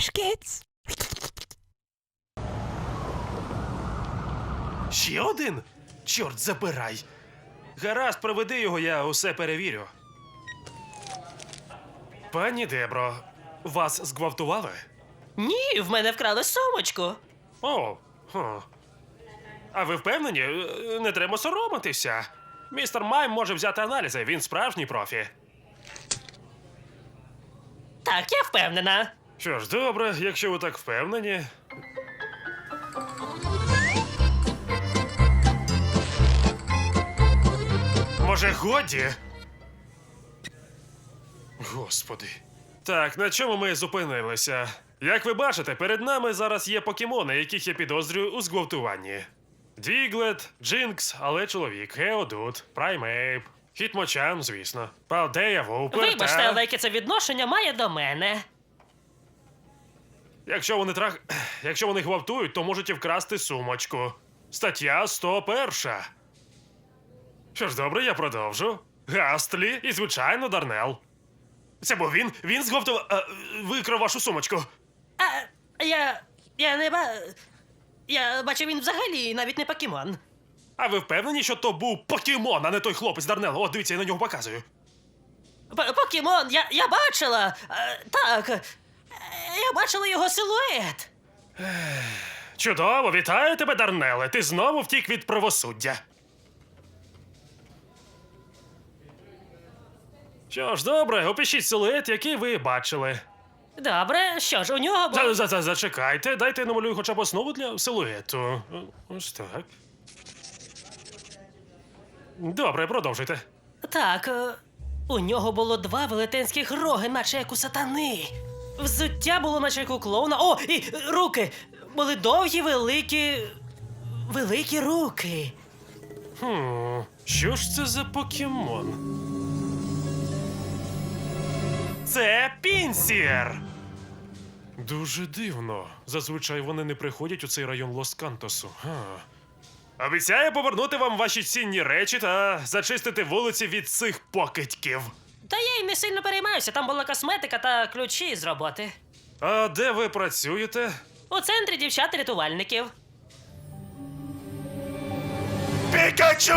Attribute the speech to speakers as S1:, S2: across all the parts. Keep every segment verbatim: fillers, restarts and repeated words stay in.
S1: Trash Kids.
S2: Ще один? Чорт, забирай. Гаразд, проведи його, я усе перевірю. Пані Дебро, вас зґвалтували?
S3: Ні, в мене вкрали сумочку.
S2: О, хм. А ви впевнені? Е, Не треба соромитися. Містер Майм може взяти аналізи, він справжній профі.
S3: Так, я впевнена.
S2: Що ж, добре, якщо ви так впевнені. Може, годі? Господи. Так, на чому ми зупинилися? Як ви бачите, перед нами зараз є покемони, яких я підозрюю у зґвалтуванні. Діглет, Джинкс, але чоловік, Геодут, Праймейп, Хітмочан, звісно, Палдея, Вупер
S3: Вибачте,
S2: та...
S3: але яке це відношення має до мене.
S2: Якщо вони трах... Якщо вони гвалтують, то можуть і вкрасти сумочку. Стаття сто один. Що ж, добре, я продовжу. Гастлі і, звичайно, Дарнел. Це був він? Він зґвалтував... А, викрав вашу сумочку.
S3: А я. я не ба. Я бачу, він взагалі навіть не покемон.
S2: А ви впевнені, що то був покемон, а не той хлопець Дарнел? О, дивіться, я на нього показую.
S3: П- Покемон, я, я бачила. Е, так. Е, Я бачила його силует.
S2: Чудово, вітаю тебе, Дарнеле. Ти знову втік від правосуддя. Що ж, добре, опишіть силует, який ви бачили.
S3: Добре, що ж, у нього був.
S2: За, за, за, зачекайте, дайте я намалюю хоча б основу для силуету. Ось так. Добре, продовжуйте.
S3: Так, е, у нього було два велетенських роги, наче як у сатани. Взуття було, наче як у клоуна. О, і е, руки! Були довгі, великі. Великі руки.
S2: Хм, що ж це за покемон? Це Пінсір! Дуже дивно. Зазвичай вони не приходять у цей район Лос-Кантосу. Га. Обіцяю повернути вам ваші цінні речі та зачистити вулиці від цих покидьків.
S3: Та я й не сильно переймаюся, там була косметика та ключі з роботи.
S2: А де ви працюєте?
S3: У центрі дівчат-рятувальників.
S2: Пікачу!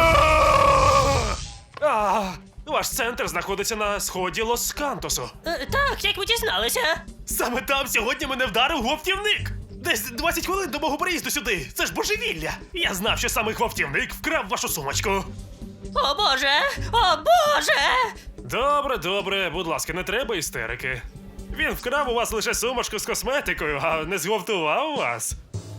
S2: А, ваш центр знаходиться на сході Лос-Кантосу.
S3: Е, так, як ви дізналися?
S2: Саме там сьогодні мене вдарив гвалтівник! Десь двадцять хвилин до мого приїзду сюди! Це ж божевілля! Я знав, що саме гвалтівник вкрав вашу сумочку.
S3: О боже! О боже!
S2: Добре, добре, будь ласка, не треба істерики. Він вкрав у вас лише сумочку з косметикою, а не зґвалтував вас.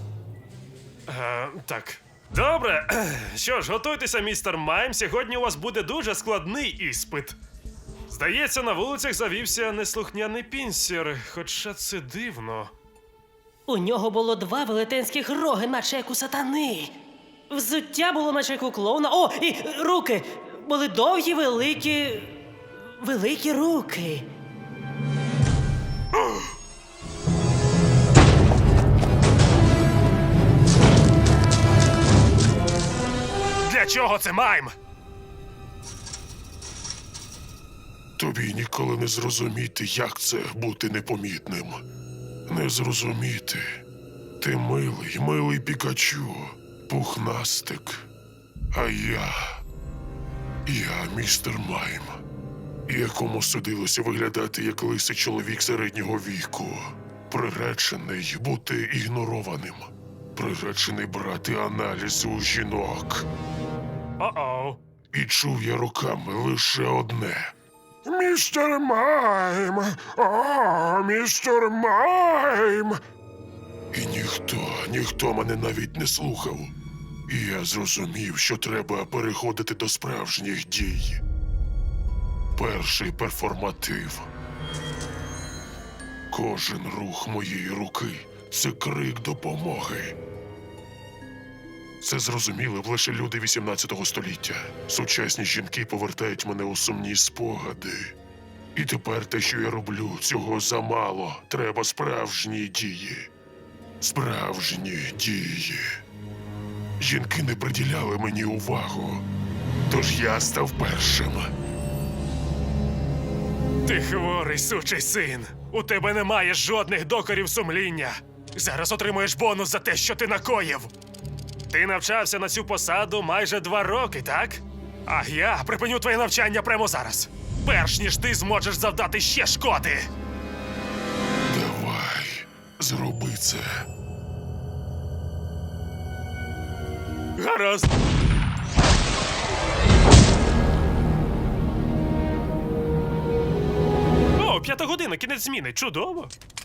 S2: Е, так. Добре. Що ж, готуйтеся, містер Майм. Сьогодні у вас буде дуже складний іспит. Здається, на вулицях завівся неслухняний Пінсір, хоча це дивно.
S3: У нього було два велетенських роги, наче як у сатани. Взуття було, наче як у клоуна. О, і е, руки! Були довгі, великі. Великі руки.
S2: Для чого це, Майм?
S4: Тобі ніколи не зрозуміти, як це бути непомітним. Не зрозуміти. Ти милий, милий Пікачу, пухнастик. А я. Я містер Майм, якому судилося виглядати як лисий чоловік середнього віку. Приречений бути ігнорованим. Приречений брати аналізи у жінок.
S2: О-оу.
S4: І чув я руками лише одне. Містер Майм! О, містер Майм! І ніхто, ніхто мене навіть не слухав. І я зрозумів, що треба переходити до справжніх дій. Перший перформатив. Кожен рух моєї руки – це крик допомоги. Це зрозуміли б лише люди вісімнадцятого століття. Сучасні жінки повертають мене у сумні спогади. І тепер те, що я роблю, цього замало. Треба справжні дії. Справжні дії. Жінки не приділяли мені увагу. Тож я став першим.
S2: Ти хворий сучий син. У тебе немає жодних докорів сумління. Зараз отримуєш бонус за те, що ти накоїв. Ти навчався на цю посаду майже два роки, так? А я припиню твоє навчання прямо зараз. Перш ніж ти зможеш завдати ще шкоди.
S4: Давай, зроби це.
S2: Гаразд. О, п'ята година, кінець зміни. Чудово.